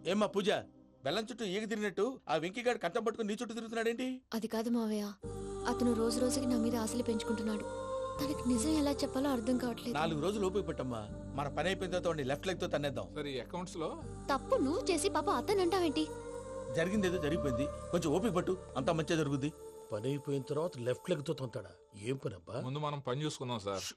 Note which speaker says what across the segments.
Speaker 1: ఏమ్మా పూజ, బెల్లం చుట్టూ ఈగ తిరిగినట్టు ఆ వెంకీగాడు కంటం పట్టుకుని నీ చుట్టూ తిరుగుతున్నాడేంటి?
Speaker 2: అది కాదు మావయ్య, అతను రోజు రోజుకి నా మీద ఆశలు పెంచుకుంటున్నాడు. తనకి నిజం ఎలా చెప్పాలో అర్థం కావట్లేదు.
Speaker 1: 4 రోజులు ఓపిక పట్టమ్మా, మన పని అయిపోయిన తర్వాత లెఫ్ట్ లెగ్ తో తన్నేద్దాం.
Speaker 3: సరే అకౌంట్స్ లో
Speaker 2: తప్పు నువ్వు చేసి పాప అతను అంటావేంటి?
Speaker 1: జరిగింది ఏదో జరిగిపోయింది, కొంచెం ఓపిక పట్టు, అంతా మంచిగా జరుగుద్ది.
Speaker 4: పని అయిపోయిన తర్వాత లెఫ్ట్ లెగ్ తో తొంతాడా? ఏం పని అబ్బా?
Speaker 3: ముందు మనం పని చూసుకుందాం సార్.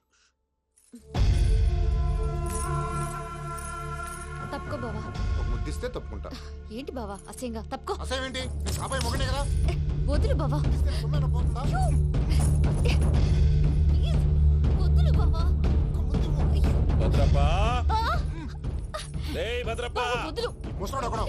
Speaker 2: తప్పుకో బావా.
Speaker 5: ఒక ముద్దిస్తే తప్పుకుంటా.
Speaker 2: ఏంటి బావా అసహ్యంగా? తప్పుకో.
Speaker 5: అసేమేంటి? నీ కాబోయే మొగనే కదా.
Speaker 2: వదులు బావా.
Speaker 5: ఇస్తే సొమ్మేనా పోతుందా?
Speaker 2: ప్లీజ్, వదులు బావా.
Speaker 1: భద్రప్పా, లేయ్ భద్రప్పా.
Speaker 2: బావా, వదులు.
Speaker 5: ముసలోడు ఒకడు.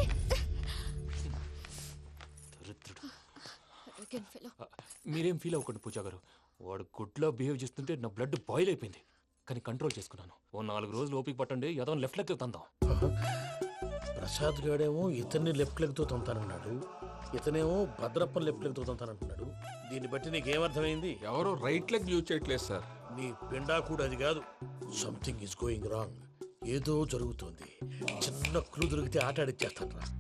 Speaker 2: Arrogant fellow.
Speaker 6: మీరేం ఫీల్ అవ్వకండి పూజా గారు. వాడు గుడ్లో బిహేవ్ చేస్తుంటే నా బ్లడ్ బాయిల్ అయిపోయింది, కానీ కంట్రోల్ చేసుకున్నాను. ఓ 4 రోజులు ఓపిక పట్టండి, ఏదో లెఫ్ట్ లెగ్ తందాం.
Speaker 4: ప్రసాద్ గాడేమో ఇతన్ని లెఫ్ట్ లెగ్ తో తొంతానన్నాడు, ఇతనేమో భద్రప్పని లెఫ్ట్ లెగ్ తో తొంతానంటున్నాడు. దీన్ని బట్టి నీకేమర్థమైంది?
Speaker 3: ఎవరు రైట్ లెగ్ యూజ్ చేయట్లేదు సార్.
Speaker 4: నీ పిండా కూడా అది కాదు. Something is going wrong. ఏదో జరుగుతోంది. చిన్న క్లూ దొరికితే ఆట ఆడిచ్చేస్తాను రా.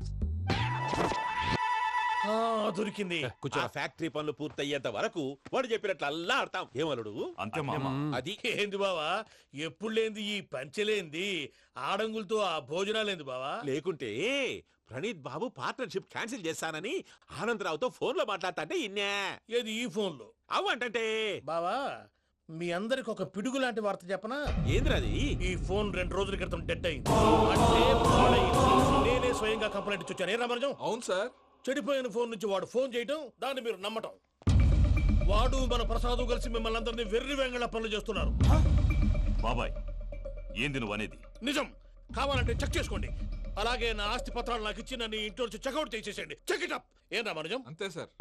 Speaker 4: దొరికింది.
Speaker 7: ఆ ఫ్యాక్టరీ పనులు పూర్తయ్యేంత వరకు వాడు చెప్పినట్లు అల్లా ఆడతాం. ఏమలుడు
Speaker 6: అంతే మామ.
Speaker 7: అది
Speaker 4: ఏంది బావా, ఎప్పుడు లేంది ఈ పంచలేంది, ఆడంగులతో ఆ భోజనాలేంది బావా?
Speaker 7: లేకుంటే ప్రణీత్ బాబు పార్ట్నర్షిప్ క్యాన్సిల్ చేస్తానని ఆనందరావుతో ఫోన్ లో మాట్లాడతాంటే ఇన్నే.
Speaker 4: ఏది ఈ ఫోన్ లో?
Speaker 7: అవ్వంటే
Speaker 4: బావా, మీ అందరికి ఒక పిడుగు లాంటి వార్త చెప్పనా?
Speaker 7: ఏంద్రది?
Speaker 4: ఈ ఫోన్ 2 రోజుల క్రితం డెడ్ అయింది. అంటే పాడైంది. నేనే స్వయంగా కంప్లైంట్ ఇచ్చి వచ్చాను. ఏ రామరాజం?
Speaker 3: అవును సార్.
Speaker 4: చెడిపోయిన ఫోన్ నుంచి వాడు ఫోన్ చేయటం, దాన్ని మీరు నమ్మటం. వాడు మన ప్రసాదు కలిసి మిమ్మల్ని అందరినీ వెర్రి వెంగళ పనులు చేస్తున్నారు.
Speaker 8: బాబాయ్, ఏంది నువ్వు అనేది?
Speaker 4: నిజం. కావాలంటే చెక్ చేసుకోండి. అలాగే నా ఆస్తి పత్రాలు నాకు ఇచ్చి నన్ను ఇంట్లో నుంచి చెక్అౌట్ చేసేసండి. Check it up. ఏం రామరాజం?
Speaker 3: అంతే సార్.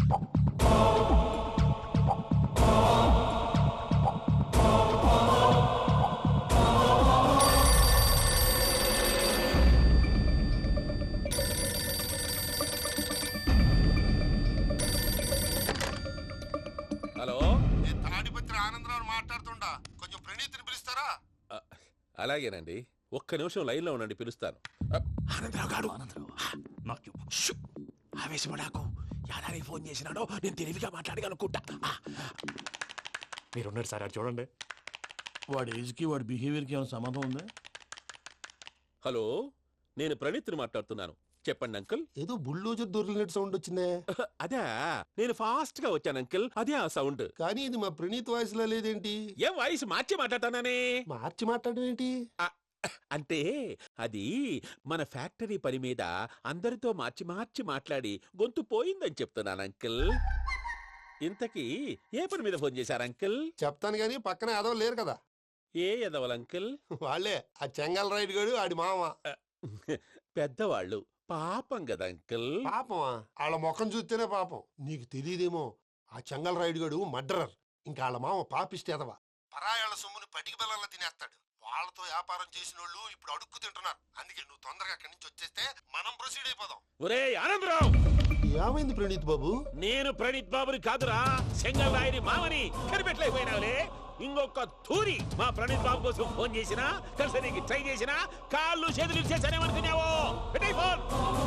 Speaker 7: హలో,
Speaker 5: నేను తాడిపత్రి ఆనందరావు మాట్లాడుతుండా. కొంచెం ప్రణీతిని పిలుస్తారా?
Speaker 7: అలాగేనండి, ఒక్క నిమిషం లైన్ లో ఉండండి, పిలుస్తాను.
Speaker 8: ఆనందరావు గాడు, నాకు చెప్పు. ఆవేశపడాకు. యాదానికి ఫోన్ చేసినాడో నేను తెలివిగా మాట్లాడగలనుకుంటా.
Speaker 6: మీరున్నారు సార్, అది చూడండి.
Speaker 4: వాడి ఏజ్కి వాడి బిహేవియర్కి ఏమైనా సంబంధం ఉందా?
Speaker 7: హలో, నేను ప్రణీత్ని మాట్లాడుతున్నాను. చెప్పండి అంకుల్.
Speaker 5: ఏదో బుల్డోజర్ దొరికినట్టు సౌండ్ వచ్చిందే.
Speaker 7: అదే, నేను ఫాస్ట్ గా వచ్చాను అంకుల్, అదే ఆ సౌండ్.
Speaker 5: కానీ ఇది మా ప్రణీత్ వాయిస్ లో లేదేంటి?
Speaker 7: ఏం వాయిస్ మార్చి మాట్లాడతానే?
Speaker 5: మార్చి మాట్లాడడం ఏంటి?
Speaker 7: అంటే అది మన ఫ్యాక్టరీ పని మీద అందరితో మార్చి మార్చి మాట్లాడి గొంతు పోయిందని చెప్తున్నాను అంకుల్. ఇంతకీ ఏ పని మీద ఫోన్ చేశారు అంకుల్?
Speaker 5: చెప్తాను గానీ పక్కన ఎదవ లేరు కదా.
Speaker 7: ఏ ఎదవలు అంకుల్?
Speaker 5: వాళ్ళే ఆ చెంగల్ రైడ్ గడు ఆడి మామ.
Speaker 7: పెద్దవాళ్ళు, పాపం కదా అంకుల్.
Speaker 5: పాపమా? వాళ్ళ ముఖం చూస్తేనే పాపం. నీకు తెలియదేమో, ఆ చెంగల్ రైడ్ గడు మర్డరర్. ఇంకా వాళ్ళ మామ పాపిస్తే ఎదవ. పరాయాళ్ళ సొమ్ముని పటికి బెల్లంలో తినేస్తాడు. వాళ్ళతో వ్యాపారం చేసిన వాళ్ళు ఇప్పుడు అడుక్కు తింటున్నారు. అందుకే నువ్వు తొందరగా అక్కడి నుంచి వచ్చేస్తే మనం ప్రొసీడ్ అయిపోదాం.
Speaker 7: ఒరే ఆనందరావు,
Speaker 5: ఏమైంది ప్రణీత్ బాబు?
Speaker 7: నేను ప్రణీత్ బాబుని కాదురా, సెంగల్ రాయని మామని. కనిపెట్టలేకపోయినావులే. ఇంకొక తూరి మా ప్రణీత్ బాబు కోసం ఫోన్ చేసినా, కలిసి ట్రై చేసినా కాళ్ళు చేతులు చేశానేమనుకున్నావో. పెట్టే ఫోన్.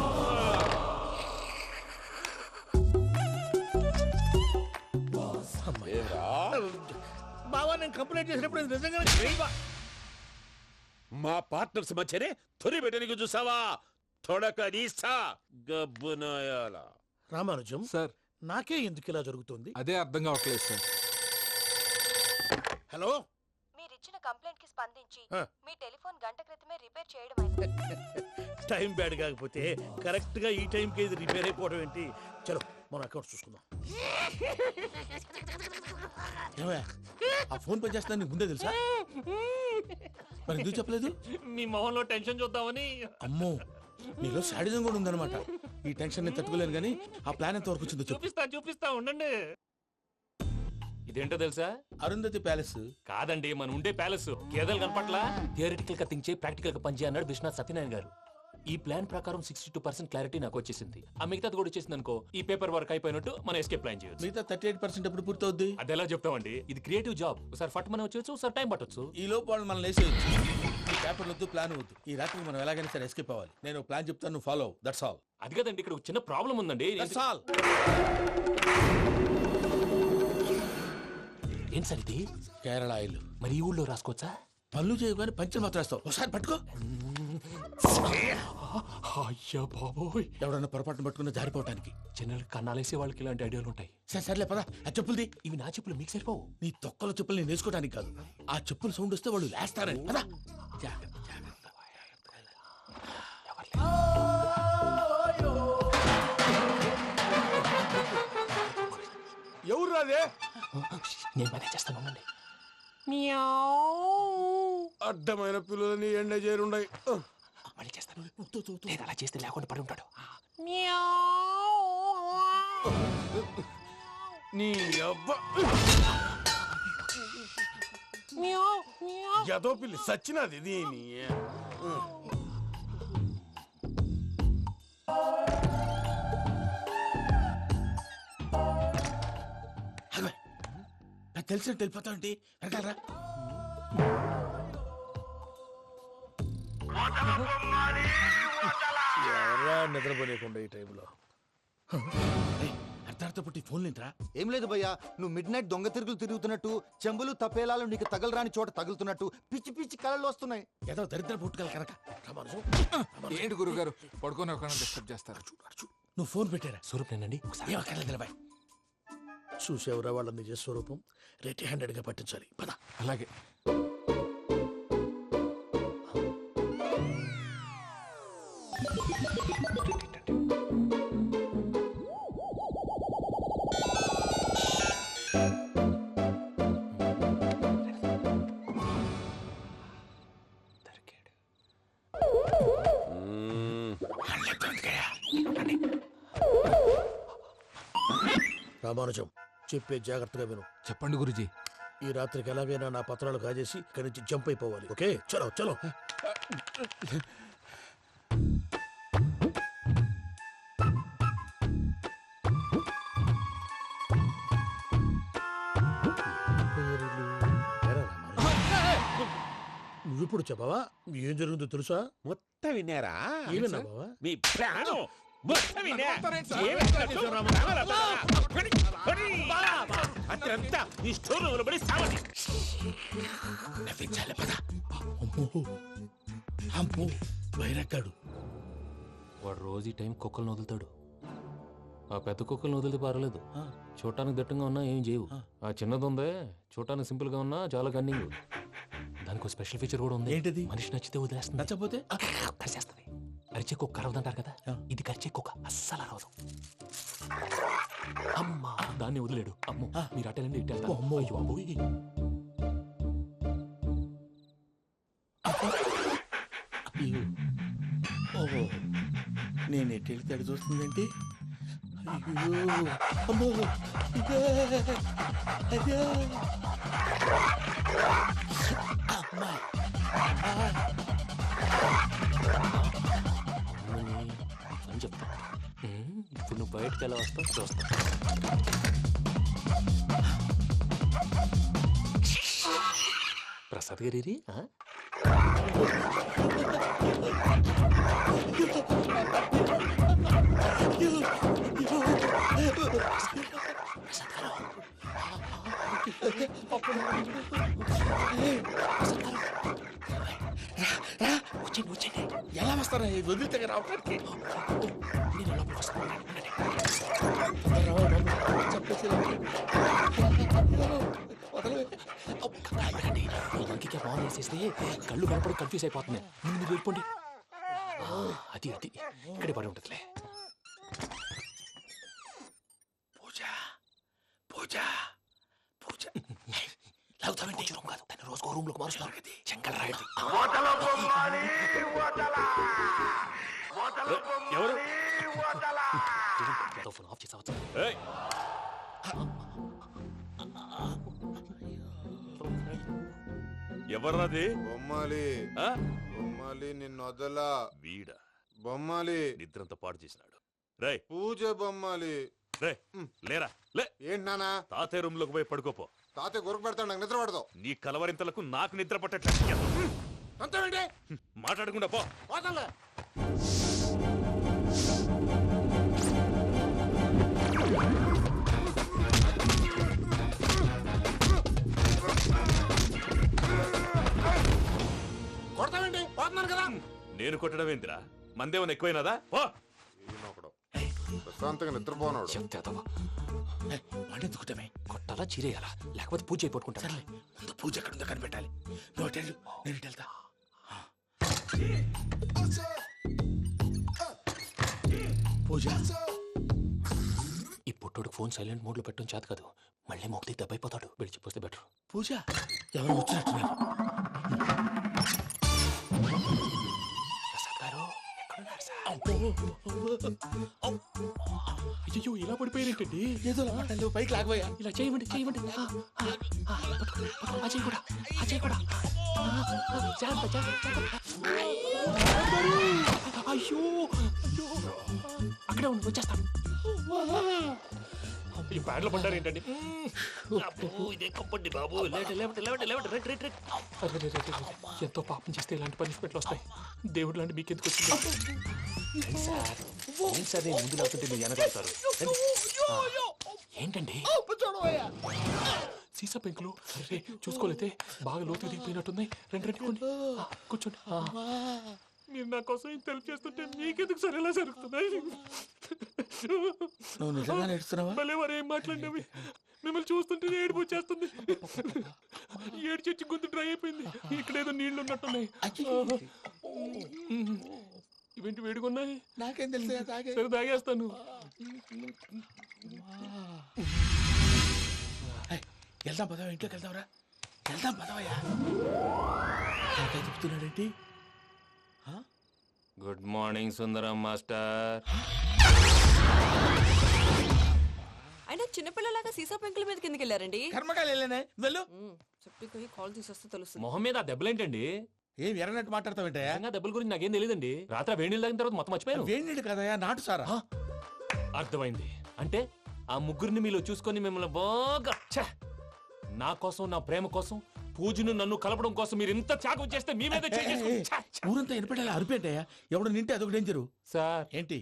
Speaker 4: బావా, నేను కంప్లైంట్ చేసినప్పుడు ఇది నిజంగానే చేయవా?
Speaker 7: మా పార్ట్నర్స్ మధ్యనే తొలి పెట్టడానికి చూసావా? తొడక నీస్తా గబ్బునాయాల.
Speaker 4: రామానుజం
Speaker 3: సార్,
Speaker 4: నాకే ఎందుకు ఇలా జరుగుతుంది?
Speaker 3: అదే అర్థం కావట్లేదు సార్.
Speaker 4: హలో,
Speaker 2: మీరిచ్చిన కంప్లైంట్ కి స్పందించి
Speaker 4: ఆ.
Speaker 2: మీ టెలిఫోన్ గంట క్రితమే రిపేర్ చేయడం.
Speaker 4: టైం బ్యాడ్ కాకపోతే కరెక్ట్ గా ఈ టైంకి ఇది రిపేర్ అయిపోవడం ఏంటి? చలో మన అకౌంట్ చూసుకుందాం.
Speaker 1: ఏమయ్య, ఆ ఫోన్ పని చేస్తున్నా నీకు ముందే తెలుసా? మరి ఎందుకు చెప్పలేదు?
Speaker 6: మీ మొహంలో టెన్షన్ చూద్దామని.
Speaker 1: అమ్మో, నీలో శాడిజం కూడా ఉందన్నమాట. ఈ టెన్షన్ నేను తట్టుకోలేను, కానీ ఆ ప్లాన్ ఎంత వరకు వచ్చిందో చెప్పు.
Speaker 6: చూపిస్తా ఉండండి. ఇదేంటో తెలుసా?
Speaker 1: అరుంధతి ప్యాలెస్.
Speaker 6: కాదండి, మన ఉండే ప్యాలెస్. గేదెలు కనపట్లా? థియరిటికల్ గా థింక్ చేయి, ప్రాక్టికల్ గా పనిచేయ అన్నాడు విశ్వనాథ్ సత్యనారాయణ గారు. ఈ ప్లాన్ ప్రకారం 62% క్లారిటీ నాకు వచ్చేసింది. ఆ మిగతాది కూడా వచ్చేసింది అనుకో, ఈ పేపర్ వర్క్ అయిపోయినట్టు మనం ఎస్కేప్ ప్లాన్ చేయొచ్చు.
Speaker 1: మిగతా 38% ఎప్పుడు పూర్తవుద్ది?
Speaker 6: అది ఎలా చెప్తామండి, ఇది క్రియేటివ్ జాబ్. ఒకసారి ఫట్ మనం వచ్చేయచ్చు, ఒకసారి టైం పట్టొచ్చు.
Speaker 1: ఈ లోపు వాళ్ళు మనం లేసేయచ్చు. ఈ పేపర్ వద్దు, ప్లాన్ వద్దు. ఈ రాత్రికి మనం ఎలాగైనా సరే ఎస్కేప్ అవ్వాలి. నేను ప్లాన్ చెప్తాను, నువ్వు ఫాలో. That's all.
Speaker 6: అది కదండి, ఇక్కడ ఒక చిన్న ప్రాబ్లం ఉందండి.
Speaker 1: That's all.
Speaker 6: ఏం సార్ ఇది?
Speaker 1: కేరళ ఆయిల్.
Speaker 6: మరి ఈ ఊళ్ళో రాసుకోవచ్చా?
Speaker 1: పళ్ళు చేయగానే పంచర్ మాత్రం వేస్తావు. ఒకసారి పట్టుకో.
Speaker 6: అయ్యా బాబోయ్,
Speaker 1: ఎవడన్నా పొరపాటున పట్టుకున్న జారిపోవటానికి.
Speaker 6: జనరల్ కన్నాలేసే వాళ్ళకి ఇలాంటి ఐడియాలు ఉంటాయి.
Speaker 1: సర్లే పదా, ఆ చెప్పులది.
Speaker 6: ఇవి నా చెప్పులు, మీకు సరిపోవు.
Speaker 1: నీ తొక్కల చెప్పులు నేను వేసుకోవడానికి కాదు, ఆ చెప్పుల సౌండ్ వస్తే వాళ్ళు లేస్తారని. పదా.
Speaker 8: ఎవరు రాదే?
Speaker 6: నేను మేనేజ్ చేస్తాను, ఉండండి.
Speaker 8: అడ్డమైన పిల్లలని ఎండ చేరుండయి.
Speaker 6: మళ్ళీ చేస్తాను. లేదు, అలా చేస్తే లేకుండా పడి ఉంటాడు.
Speaker 8: నీ అబ్బా ఎదో పిల్లి సచ్చినది దీని.
Speaker 1: నాకు తెలిసినట్టు వెళ్ళిపోతావంటి. వెనకాలరా.
Speaker 4: ఎవరా నిద్రపోలేకుండా ఈ టైంలో?
Speaker 1: అర్ధార్థ పుట్టి ఫోన్ లేంట్రా.
Speaker 9: ఏం లేదు భయ్యా, నువ్వు మిడ్ నైట్ దొంగ తిరుగులు తిరుగుతున్నట్టు, చెంబులు తపేలాలు నీకు తగలరాని చోట తగులుతున్నట్టు పిచ్చి పిచ్చి కళలు వస్తున్నాయి.
Speaker 1: ఏదో దరిద్ర పుట్టుకల కనుక.
Speaker 3: ఏంటి గురుగారు పడుకొని ఒక డిస్టర్బ్ చేస్తారు?
Speaker 1: నువ్వు ఫోన్ పెట్టారా?
Speaker 6: స్వరూపేనండి,
Speaker 1: ఏం అక్కర్లేదు నిలబాయ్.
Speaker 4: చూసేవరా వాళ్ళ నిజ స్వరూపం. రెట్టి హ్యాండెడ్ గా పట్టించాలి. పద.
Speaker 3: అలాగే.
Speaker 4: రామానుజం, చెప్పే జాగ్రత్తగా విను.
Speaker 3: చెప్పండి గురుజీ.
Speaker 4: ఈ రాత్రికి ఎలాగైనా నా పత్రాలు కాజేసి ఇక్కడి నుంచి జంప్ అయిపోవాలి. ఓకే, చలో చలో. నువ్విప్పుడు చెప్పవా? ఏం జరుగుతుందో తెలుసా?
Speaker 7: మొత్తం విన్నారా?
Speaker 4: ఏమన్నా బావా?
Speaker 7: మీ ప్రాణం మొత్తం విన్నా. అత్యంతా ఈ స్టోర్ రూమ్ పడి సావని.
Speaker 1: నవ్వించాలి. పద. అమ్మో అమ్మో, వైరక్కాడు.
Speaker 6: వాడు రోజు ఈ టైం కుక్కలను వదులుతాడు. ఆ పెద్ద కుక్కలను వదిలితే పర్లేదు, చూడటానికి దట్టంగా ఉన్నా ఏం చేయవు. ఆ చిన్నది ఉందే, చూడటానికి సింపుల్ గా ఉన్నా చాలా కన్నింగ్. దానికి స్పెషల్ ఫీచర్ కూడా ఉంది.
Speaker 1: ఏంటిది?
Speaker 6: మనిషి నచ్చితే వదిలేస్తుంది,
Speaker 1: నచ్చపోతే
Speaker 6: కరిచేస్తుంది. కరిచే కుక్క అరవదంటారు కదా, ఇది కరిచే కుక్క అస్సలు అరవదు. అమ్మా, దాన్ని వదిలేడు. అమ్మో, మీరు అటెండి ఇట్టే.
Speaker 1: అమ్మో.
Speaker 6: అయ్యో అబ్బోయ్.
Speaker 1: ఓహో, నేను ఎట్టి వెళ్తాడు చూస్తుందేంటి? అయ్యో అమ్మో, ఇదే, అదే. అమ్మా.
Speaker 6: అని చెప్తా. ఇప్పుడు నువ్వు బయటకు ఎలా వస్తావు చూస్తా. ప్రసాద్ గారి
Speaker 1: ఎలా వస్తారా? వదిలితే రావటానికి
Speaker 6: ఇంకే బాగా వేసేస్తే కళ్ళు కనపడి కన్ఫ్యూజ్ అయిపోతుంది. మీరు వెళ్ళిపోండి. అది అది ఇక్కడే పడి ఉంటుందిలే.
Speaker 1: పూజ పూజ పూజ.
Speaker 6: లాగుతామంటే రూమ్ కాదు, దాన్ని రోజుకో రూమ్ లోకి మారుస్తారు. చెంగల్ రాయడం.
Speaker 7: ఎవరు?
Speaker 6: ఫోన్ ఆఫ్ చేసావచ్చు.
Speaker 7: ఎవర్రాది?
Speaker 10: బొమ్మాలి
Speaker 7: ఆ?
Speaker 10: బొమ్మాలి నిన్ను వదలా.
Speaker 7: వీడా?
Speaker 10: బొమ్మాలి
Speaker 8: నిద్రంతా పాడు చేసినాడు. రేయ్
Speaker 10: పూజ బొమ్మాలి.
Speaker 8: రే లేరా లే.
Speaker 10: ఏంటి నానా?
Speaker 8: తాతయ్య రూమ్ లోకి పోయి పడుకోపో.
Speaker 10: తాతయ్య గురకు పెడతాడు, నాకు నిద్ర పడతావు.
Speaker 8: నీ కలవరింతలకు నాకు నిద్ర పట్టట్లేదు.
Speaker 5: అంతేంటి
Speaker 8: మాట్లాడకుండా పో.
Speaker 5: పోతాలే. కొడతావేంటి? పోతున్నాను కదా.
Speaker 8: నేను కొట్టడం ఏందిరా? మందేమన్నా ఎక్కువైనదా? పో.
Speaker 10: ఈయనొకడు ప్రశాంతంగా నిద్రపోనాడు.
Speaker 1: వాడెందుకుంటామే?
Speaker 6: కొట్టాలా చీరేయాలా లేకపోతే పూజ అయిపోట్టుకుంటా.
Speaker 1: సర్లే, ముందు పూజ ఎక్కడ ఉందో కనిపెట్టాలి. నువ్వు అటు వెళ్ళు, నేను ఇటు వెళ్తా. పూజ,
Speaker 6: ఈ పుట్టోడు ఫోన్ సైలెంట్ మోడ్ లో పెట్టడం చేత కాదు. మళ్ళీ మొక్కి దెబ్బైపోతాడు. విడిచిపోతే బెటర్.
Speaker 1: పూజ ఎవరు వచ్చినట్టున్నారు?
Speaker 6: ప్రసాద్ గారు ఎక్కడున్నారు సార్?
Speaker 1: అయ్యో, ఇలా పడిపోయినట్టండి. ఏదో మాటలు పైకి లాగబోయా.
Speaker 6: ఇలా చేయమండి చేయమండి. అజయ్ కూడా అజయ్ కూడా. జాగ్రత్త, జాగ్రత్త. అయ్యో అయ్యో, అక్కడే ఉండి వచ్చేస్తాను. ఈ బ్యాడ్లో పడ్డారు ఏంటండి? ఇదే కప్పండి బాబు. ఎంతో పాపం చేస్తే ఇలాంటి పనిష్మెంట్లు వస్తాయి. దేవుడు లాంటి మీకెందుకు వచ్చింది సార్? నేను ముందు లేకుంటే మీరు వెనకాడతారు. ఏంటండి సీసా పెంకులు? అరే చూసుకోలేతే బాగా లోతు దిగిపోయినట్టున్నాయి. రండి రండి కొన్ని కూర్చోండి. మీరు నా కోసం ఇంత హెల్ప్ చేస్తుంటే మీకెందుకు సరే ఎలా జరుగుతున్నాయి?
Speaker 1: నువ్వు నిజంగా నేర్చుతున్నావా?
Speaker 6: మళ్ళీ వారు ఏం మాట్లాడినవి? మిమ్మల్ని చూస్తుంటే ఏడుపు వచ్చేస్తుంది. ఏడు చెచ్చి గొంతు డ్రై అయిపోయింది. ఇక్కడ ఏదో నీళ్లు ఉన్నట్టున్నాయి. ఇవేంటి వేడుకున్నాయి?
Speaker 1: నాకేం తెలుసు,
Speaker 6: సరే తాగేస్తాను.
Speaker 1: వెళ్దాం పదవా, ఇంట్లోకి వెళ్దాంరా. వెళ్దాం పదవయ్యా. చెప్తున్నాడేంటి?
Speaker 6: Good morning Sundaram master.
Speaker 11: అయినా చిన్నపిల్లలాగా సీసా పెంకుల మీద కిందకి వెళ్ళారండి.
Speaker 1: కర్మకాయలు వెళ్ళానే, వెళ్ళు.
Speaker 11: చెప్పి కాల్ తీసేస్తే తెలుస్తుంది.
Speaker 6: మొహం మీద ఆ దెబ్బలేంటండి?
Speaker 1: ఏం ఎర్రనట్టు మాట్లాడతావేంటయ్యా?
Speaker 6: దెబ్బల గురించి నాకేం తెలియదండి. రాత్రి వేడి నీళ్ళు తాగిన తర్వాత మొత్తం మర్చిపోయాను.
Speaker 1: వేడి నీళ్ళు కదయ్యా, నాటు సారా.
Speaker 6: అర్థమైంది. అంటే ఆ ముగ్గురిని మీలో చూసుకొని మిమ్మల్ని బాగా నా కోసం, నా ప్రేమ కోసం, పూజను నన్ను కలపడం కోసం మీరు ఇంత త్యాగం చేస్తే మీ మీద
Speaker 1: ఊరంతా వినపడేలా అరిపేంటయ్యా. ఎవడు నింటే అదొక డేంజరు.
Speaker 6: సార్
Speaker 1: ఏంటి?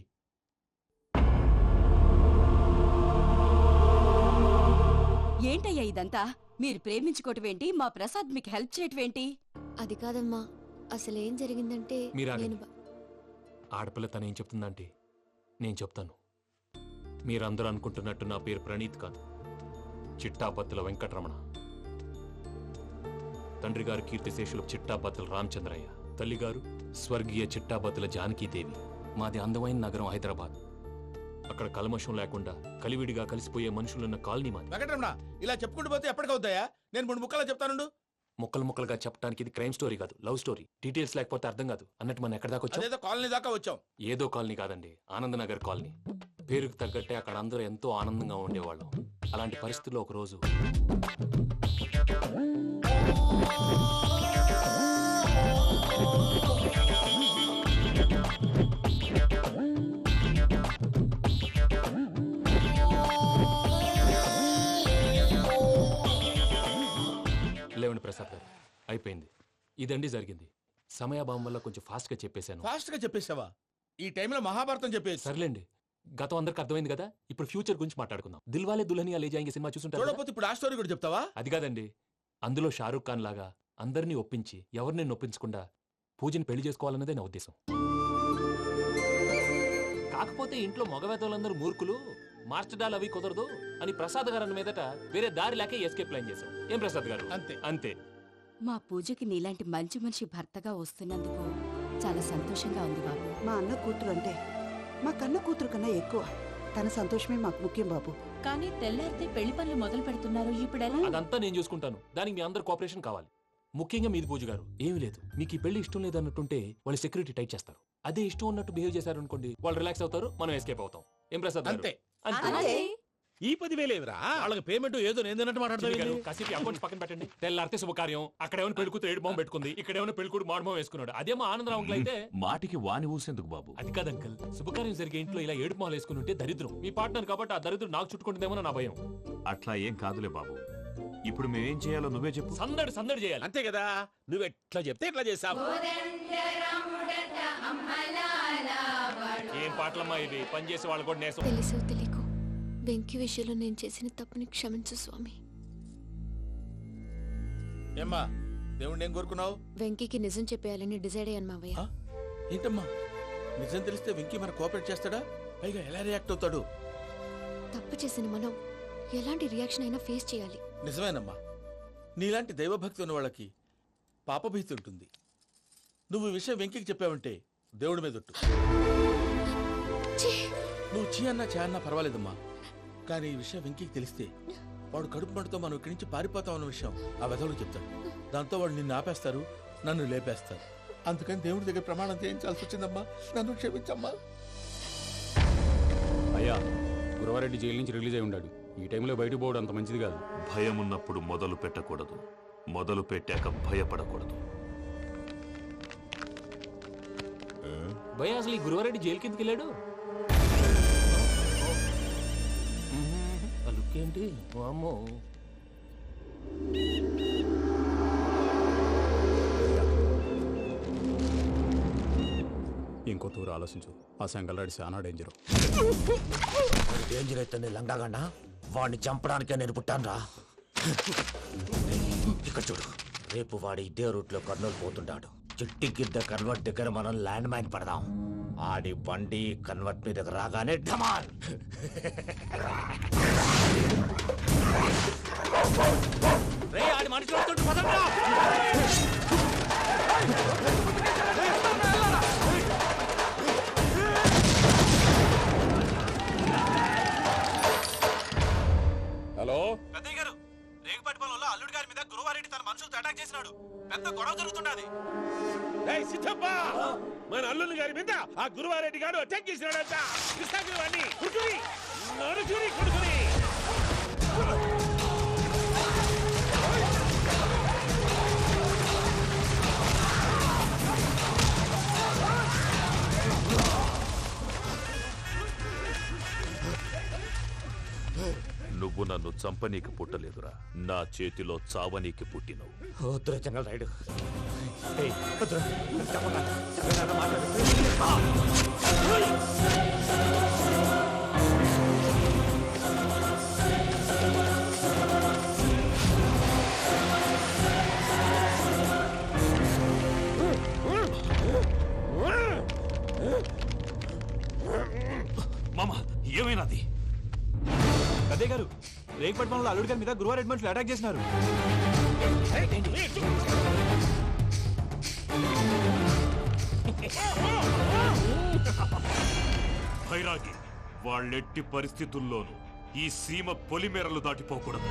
Speaker 11: ఏంటయ్యా ఇదంతా? మీరు ప్రేమించుకోవటం ఏంటి? మా ప్రసాద్ మీకు హెల్ప్ చేయటం ఏంటి?
Speaker 2: అది కాదమ్మా, అసలు ఏం జరిగిందంటే
Speaker 6: మీరు
Speaker 2: నేను
Speaker 6: ఆగండి. ఆడపిల్ల తను ఏం చెప్తుందంటే నేను చెప్తాను. మీరందరూ అనుకుంటున్నట్టు నా పేరు ప్రణీత్ కాదు, చిట్టాపత్తుల వెంకటరమణ. తండ్రి గారు కీర్తిశేషులు చిట్టాపత్తుల రామచంద్రయ్య, తల్లిగారు స్వర్గీయ చిట్టాపత్తుల జానకీదేవి. మాది అందమైన నగరం హైదరాబాద్. అక్కడ కల్మషం లేకుండా కలివిడిగా కలిసిపోయే మనుషులున్న కాలనీ మాది.
Speaker 1: వెంకటరమణ, ఇలా చెప్పుకుంటూ పోతే ఎప్పటికవుతాయా? నేను 3 ముక్కలా చెప్తానుండు.
Speaker 6: ముక్కలు ముక్కలుగా చెప్పడానికి ఇది క్రైమ్ స్టోరీ కాదు, లవ్ స్టోరీ. డీటెయిల్స్ లేకపోతే అర్థం కాదు. అన్నట్టు మనం ఎక్కడ దాకా వచ్చాం?
Speaker 1: అదేదో కాలనీ దాకా వచ్చాం.
Speaker 6: ఏదో కాలనీ కాదండి, ఆనందనగర్ కాలనీ. పేరుకు తగ్గట్టే అక్కడ అందరూ ఎంతో ఆనందంగా ఉండేవాళ్ళం. అలాంటి పరిస్థితుల్లో ఒక రోజు లేవండి ప్రసాద్ గారు, అయిపోయింది. ఇదండి జరిగింది. సమయాభావం వల్ల కొంచెం ఫాస్ట్ గా చెప్పేశాను.
Speaker 1: ఫాస్ట్ గా చెప్పేసావా? ఈ టైంలో మహాభారతం చెప్పేసి.
Speaker 6: సర్లేండి, గతం అందరికి అర్థమైంది కదా. ఇప్పుడు ఫ్యూచర్ గురించి మాట్లాడుకుందాం. దిల్వాలే దుల్హనియా లే జాయేంగే సినిమా చూసుంటారు.
Speaker 1: చూడకపోతే ఇప్పుడు ఆ స్టోరీ కూడా చెప్తావా?
Speaker 6: అది కాదండి, అందులో షారూక్ ఖాన్ లాగా అందరినీ ఒప్పించి ఎవరిని నొప్పించకుండా పూజని పెళ్లి చేసుకోవాలన్నదే నా ఉద్దేశం. కాకపోతే ఇంట్లో మగవేతలందరూ మూర్ఖులు, మాస్టర్ డాల్ అవి కుదరదు అని ప్రసాద్ గారు అన్న మీదట వేరే దారి లేక ఎస్కేప్ ప్లాన్ చేశాం. ఏం ప్రసాద్ గారు?
Speaker 1: అంతే
Speaker 6: అంతే.
Speaker 11: మా పూజకి నీలాంటి మంచి మనిషి భర్తగా వస్తున్నందుకు చాలా సంతోషంగా ఉంది బాబు.
Speaker 12: మా అన్న కూతురు అంటే మా కన్న కూతురు కన్నా ఎక్కువ. తన సంతోషమే మాకు ముఖ్యం బాబు.
Speaker 11: కానీ తెల్లారితే పెళ్లి పనులు మొదలు పెడుతున్నారు. ఇప్పుడు
Speaker 6: అదంతా నేను చూసుకుంటాను. దానికి మీ అందరు కోఆపరేషన్ కావాలి. ముఖ్యంగా మీది పూజ గారు. ఏమీ లేదు, మీకు ఈ పెళ్లి ఇష్టం లేదన్నట్టుంటే వాళ్ళు సెక్యూరిటీ టైట్ చేస్తారు. అదే ఇష్టం ఉన్నట్టు బిహేవ్ చేశారు అనుకోండి, వాళ్ళు రిలాక్స్ అవుతారు, మనం ఎస్కేప్ అవుతాం. ఏం ప్రసాద్ గారు?
Speaker 1: అంతే.
Speaker 6: అంతే.
Speaker 7: ఈ 10,000 ఏమిరా?
Speaker 4: వాళ్ళకి పేమెంట్ ఏదో నేను తిన్నట్టు మాట్లాడతాను.
Speaker 6: కాసేపు అకౌంట్స్ పక్కన పెట్టండి. తెల్లారితే శుభకార్యం. అక్కడేమైనా పెళ్ళికూతురు ఏడు బాంబు పెట్టుకుంది, ఇక్కడేమైనా పెళ్ళికూడు మాడు బాంబు వేసుకున్నాడు. అదేమో ఆనందరావు అంకుల్ అయితే
Speaker 8: మాటికి వాని ఊసేందుకు బాబు?
Speaker 6: అది కాదు అంకుల్, శుభకార్యం జరిగే ఇంట్లో ఇలా ఏడు మాలు వేసుకుని ఉంటే దరిద్రం. మీ పార్ట్నర్ కాబట్టి ఆ దరిద్రం నాకు చుట్టుకుంటుందేమో నా భయం.
Speaker 8: అట్లా ఏం కాదులే బాబు. ఇప్పుడు మేమేం చేయాలో నువ్వే చెప్పు.
Speaker 6: సందడి సందడి చేయాలి.
Speaker 7: అంతే కదా, నువ్వు ఎట్లా చెప్తే ఎట్లా చేసావు.
Speaker 6: ఏం పాటలమ్మా ఇవి? పని చేసే వాళ్ళు కూడా నేసం.
Speaker 2: తెలుసో తెలియకో వెంకీ విషయంలో నేను చేసిన తప్పుని క్షమించు స్వామి.
Speaker 1: ఏమ్మా దేవుణ్ణి ఏం కోరుకున్నావు?
Speaker 2: వెంకీకి నిజం చెప్పేయాలని డిసైడ్ అయ్యాను మావయ్య.
Speaker 1: ఏంటమ్మా నిజం తెలిస్తే వెంకీ మన కోఆపరేట్ చేస్తాడా? పైగా ఎలా రియాక్ట్ అవుతాడు?
Speaker 2: తప్పు చేసిన మనం ఎలాంటి రియాక్షన్ అయినా ఫేస్ చేయాలి.
Speaker 1: నిజమేనమ్మా, నీలాంటి దైవభక్తి ఉన్న వాళ్ళకి పాపభీతి ఉంటుంది. నువ్వు ఈ విషయం వెంకీకి చెప్పావంటే దేవుడి మీద ఒట్టు. నువ్వు చీ అన్నా చే అన్నా పర్వాలేదమ్మా, కానీ ఈ విషయం వెంకీకి తెలిస్తే వాడు కడుపు మంటతో మనం ఇక్కడి నుంచి పారిపోతాం అన్న విషయం ఆ వెధవుడు చెప్తాడు. దాంతో వాడు నిన్ను ఆపేస్తారు, నన్ను లేపేస్తారు. అందుకని దేవుడి దగ్గర ప్రమాణం చేయించాల్సి వచ్చిందమ్మా, నన్ను క్షమించమ్మా.
Speaker 13: అయ్యా, గురవారెడ్డి జైలు నుంచి రిలీజ్ అయి ఉన్నాడు. ఈ టైంలో బయటకు పోవడం అంత మంచిది కాదు.
Speaker 8: భయం ఉన్నప్పుడు మొదలు పెట్టకూడదు, మొదలు పెట్టాక భయపడకూడదు.
Speaker 6: భయ అసలు ఈ గురువారెడ్డి జైలు కిందకి వెళ్ళాడు. అలుక్కేంటి అమ్మో.
Speaker 13: ఇంకో తూరు ఆలోచించు. ఆ సంగల్రాడి చాలా డేంజర్.
Speaker 4: డేంజర్ అయితే లంగాగండ వాడిని చంపడానికే నేను పుట్టాను రా. ఇక్కడ చూడు, రేపు వాడు ఇదే రూట్ లో కర్నూలు పోతుంటాడు. చిట్టి గిద్ద కన్వర్ట్ దగ్గర మనం ల్యాండ్ మైన్ పడదాం. ఆడి బండి కన్వర్ట్ మీద రాగానే ఢమాల్.
Speaker 6: ఆడి మనుషులు పదండ్రా.
Speaker 7: హలో
Speaker 14: పెద్దయ్య గారు, రేగుపాటి పొలంలో అల్లుడి గారి మీద గురువారెడ్డి తన మనుషులతో అటాక్ చేసినాడు. పెద్ద గొడవ జరుగుతున్నది.
Speaker 7: సిద్ధప్ప, మన అల్లుని గారి మీద ఆ గురువారెడ్డి గారు అటాక్ చేసినాడంట. కృష్ణాగిరి వాడిని కొడుకుని నడుచుని కొడుకుని.
Speaker 8: నువ్వు నన్ను చంపనీకి పుట్టలేదురా, నా చేతిలో చావనీకి పుట్టినవు.
Speaker 4: జంగల్ రైడ్
Speaker 8: మామ ఏమైనాది?
Speaker 14: పెద్దయ్య గారు, రేగుపాటి పొలంలో అల్లుడి గారి మీద గురువారెడ్డి మనుషులు అటాక్ చేసినారు.
Speaker 8: భైరాగి, వాళ్ళెట్టి పరిస్థితుల్లోనూ ఈ సీమ పొలిమేరలు దాటిపోకూడదు.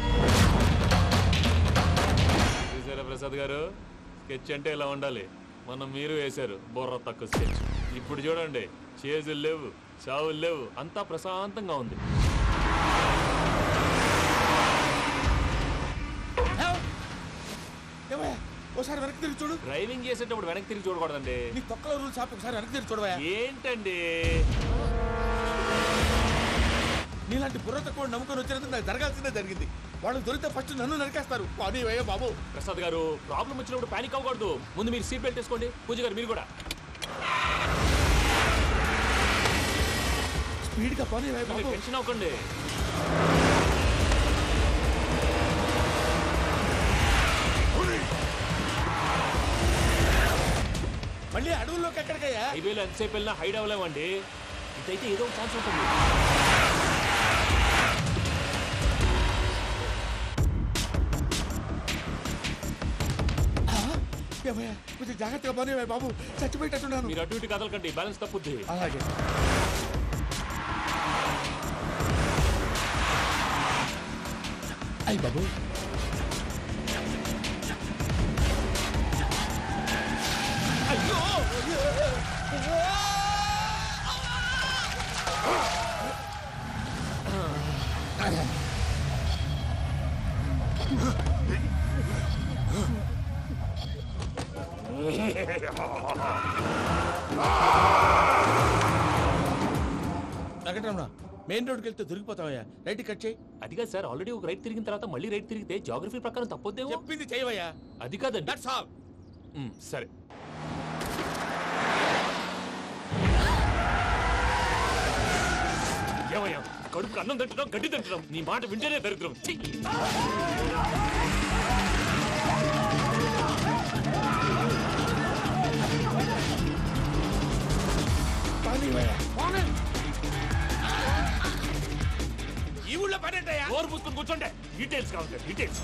Speaker 6: చూసారా ప్రసాద్ గారు, స్కెచ్ అంటే ఇలా ఉండాలి. మనం మీరు వేశారు బొర్ర తక్కువ స్కెచ్. ఇప్పుడు చూడండి, చేజులు లేవు, చావులు లేవు, అంతా ప్రశాంతంగా ఉంది.
Speaker 1: ఒకసారి వెనక్కి తిరిగి చూడు.
Speaker 6: డ్రైవింగ్ చేసేటప్పుడు వెనక్కి తిరిగి చూడకూడదండి.
Speaker 1: నీ తొక్కలో రూల్స్ ఆపి ఒకసారి వెనక్కి తిరిగి చూడవా.
Speaker 6: ఏంటండి
Speaker 1: నీలాంటి బుర్ర తక్కువ నమ్ముకొని వచ్చినందుకు నాకు జరగాల్సిందే జరిగింది. వాళ్ళు దొరికితే ఫస్ట్ నన్ను నరికేస్తారు. అది వయ్యా బాబు.
Speaker 6: ప్రసాద్ గారు, ప్రాబ్లం వచ్చినప్పుడు పానిక్ అవ్వకూడదు. ముందు మీరు సీట్ బెల్ట్ వేసుకోండి. పూజ గారు మీరు కూడా
Speaker 1: స్పీడ్గా పని
Speaker 6: టెన్షన్ అవ్వకండి.
Speaker 1: మళ్ళీ అడవుల్లోకి ఎక్కడికయ్యా?
Speaker 6: హైవేలో ఎంతసేపు వెళ్ళినా హైడ్ అవ్వలేమండి. ఇదైతే ఏదో ఒక ఛాన్స్ ఉంటుంది.
Speaker 1: కొంచెం జాగ్రత్తగా పని బాబు, చచ్చిపోయేటట్టున్నాను.
Speaker 6: మీరు అటు ఇటు కదలకండి, బ్యాలెన్స్ తప్పుద్ది.
Speaker 1: అలాగే. అయ్యి బాబు, అయ్యో వెంకటరమణ మెయిన్ రోడ్కి వెళ్తే దొరికిపోతావయ్యా. రైట్ కట్ చేయి.
Speaker 6: అది కాదు సార్, ఆల్రెడీ ఒక రైట్ తిరిగిన తర్వాత మళ్ళీ రైట్ తిరిగితే జాగ్రఫీ ప్రకారం తప్పొద్దేమో.
Speaker 1: చెప్పింది చేయవయ్యా.
Speaker 6: అది కాదండి.
Speaker 1: That's all.
Speaker 6: సరే. ఏమయ్యా, కడుపు అన్నం తింటున్నాం, గడ్డి తింటున్నాం, నీ మాట వింటేనే దరిద్రం. ఛీ!
Speaker 1: ఈ ఊళ్ళో పడేటయ్యా.
Speaker 6: నోరు పూసుకొని కూర్చోండి. డీటెయిల్స్ కావాలి, డీటెయిల్స్.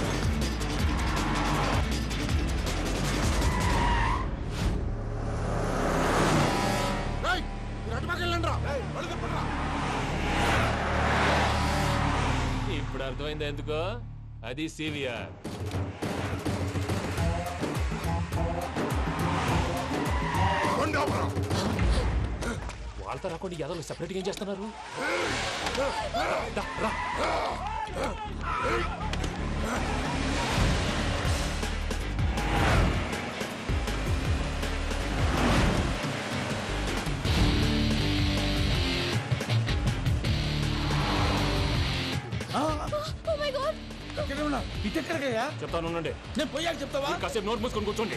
Speaker 6: ఇప్పుడు అర్థమైంది ఎందుకో. అది సివిఆర్. వాళ్ళతో రాకుండా యాదవ్ సెపరేట్గా ఏం చేస్తున్నారు? రా.
Speaker 1: ఇటెక్కడికయ్యా?
Speaker 6: చెప్తాను ఉండండి.
Speaker 1: నేను పోయాక చెప్తావా?
Speaker 6: కాసేపు నోట్ మూసుకొని కూర్చోండి.